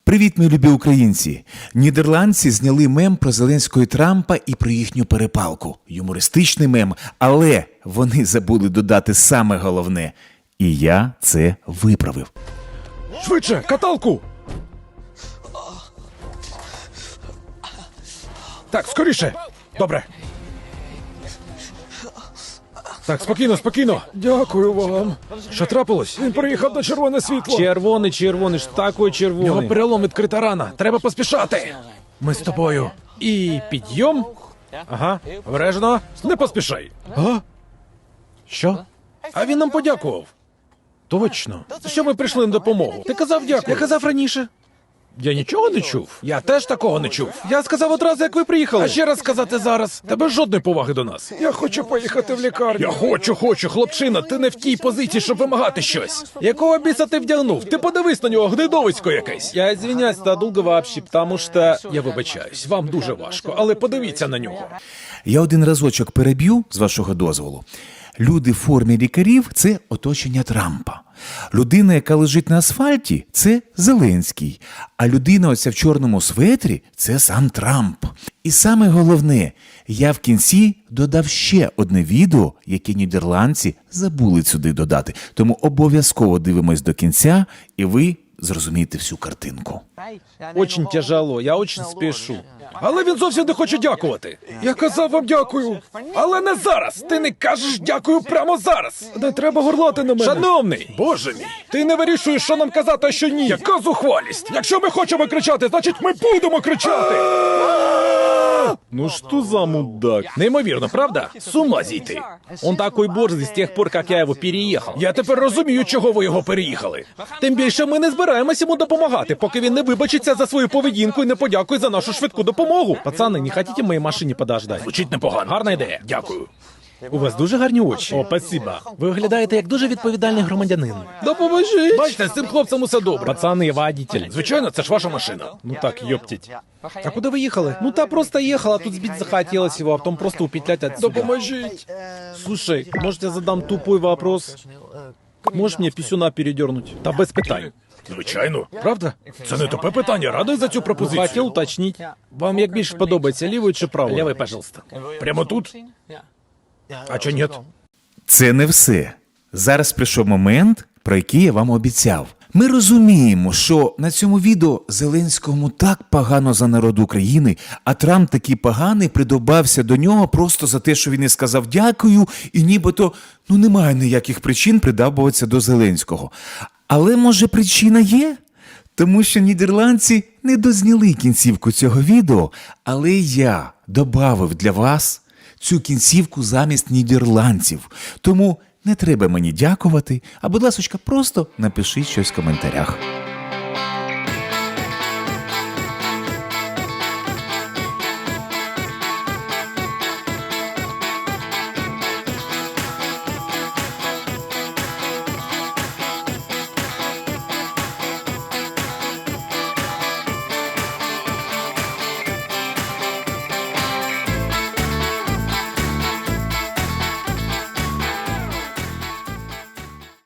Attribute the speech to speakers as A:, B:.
A: Привіт, мої любі українці! Нідерландці зняли мем про Зеленського і Трампа і про їхню перепалку. Юмористичний мем, але вони забули додати саме головне. І я це виправив.
B: Швидше, каталку! Так, скоріше! Добре. Так, спокійно, спокійно. Дякую вам. Що трапилось? Він приїхав на червоне світло.
C: Червоний, ж такий
B: Його
C: червоний.
B: перелом, відкрита рана. Треба поспішати. Ми з тобою. І підйом. Ага, обережно. Не поспішай. А? Що? А він нам подякував. Точно. Що ми прийшли на допомогу? Ти казав дякую. Я казав раніше. Я нічого не чув. Я теж такого не чув. Я сказав одразу, як ви приїхали. А ще раз сказати зараз. Тебе жодної поваги до нас. Я хочу поїхати в лікарню. Я хочу, хлопчина. Ти не в тій позиції, щоб вимагати щось. Якого біса ти вдягнув? Ти подивись на нього, гнидовисько якесь.
C: Я извиняюсь, это долго вообще, потому что...
B: Я вибачаюсь, вам дуже важко, але подивіться на нього.
A: Я один разочок переб'ю, з вашого дозволу. Люди в формі лікарів – це оточення Трампа. Людина, яка лежить на асфальті – це Зеленський. А людина оця в чорному светрі – це сам Трамп. І саме головне, я в кінці додав ще одне відео, яке нідерландці забули сюди додати. Тому обов'язково дивимось до кінця, і ви зрозумієте всю картинку.
C: Очень тяжело, я очень спешу.
B: Але він зовсім не хоче дякувати. Я казав вам дякую. Але не зараз. Ти не кажеш дякую прямо зараз. Не треба горлати на мене. Шановний, боже мій, ти не вирішуєш, що нам казати, а що ні. Яка зухвалість? Якщо ми хочемо кричати, значить ми будемо кричати.
C: Ну что за мудак?
B: Неймовірно, правда? З ума зійти.
C: Он такой борзый с тех пор, как я его переехал.
B: Я тепер розумію, чого ви його переїхали.
C: Тим більше ми не збираємось йому допомагати, поки він не вибачиться за свою поведінку і не подякує за нашу швидку допомогу. Пацани, не хотите в моїй машині подождати?
B: Звучить непогано.
C: Гарна ідея.
B: Дякую.
C: У вас дуже гарні очі. О, спасибо. Ви виглядаєте як дуже відповідальний громадянин. Допоможіть.
B: Бачите, з цим хлопцем усе добре.
C: Пацани, я водитель.
B: Звичайно, це ж ваша машина.
C: Ну так, ёптить. А куда вы ехали? Ну та просто ехала, тут сбить захотелось его, а потом просто упетлять отсюда.
B: Допоможіть.
C: Слушай, может я задам тупой вопрос? Можешь мне писюна передернуть? Да без питань.
B: Звичайно. Правда? Це не тупе питання. Радий за цю пропозицію.
C: Хотел уточнить. Вам як більше подобається, лівий чи правий? Лівий, пожалуйста.
B: Прямо тут? А чи ні?
A: Це не все. Зараз прийшов момент, про який я вам обіцяв. Ми розуміємо, що на цьому відео Зеленському так погано за народ України, а Трамп такий поганий придобався до нього просто за те, що він не сказав дякую, і нібито немає ніяких причин придабуватися до Зеленського. Але, може, причина є? Тому що нідерландці не дозняли кінцівку цього відео, але я добавив для вас цю кінцівку замість нідерландців. Тому не треба мені дякувати, а, будь ласочка, просто напишіть щось в коментарях.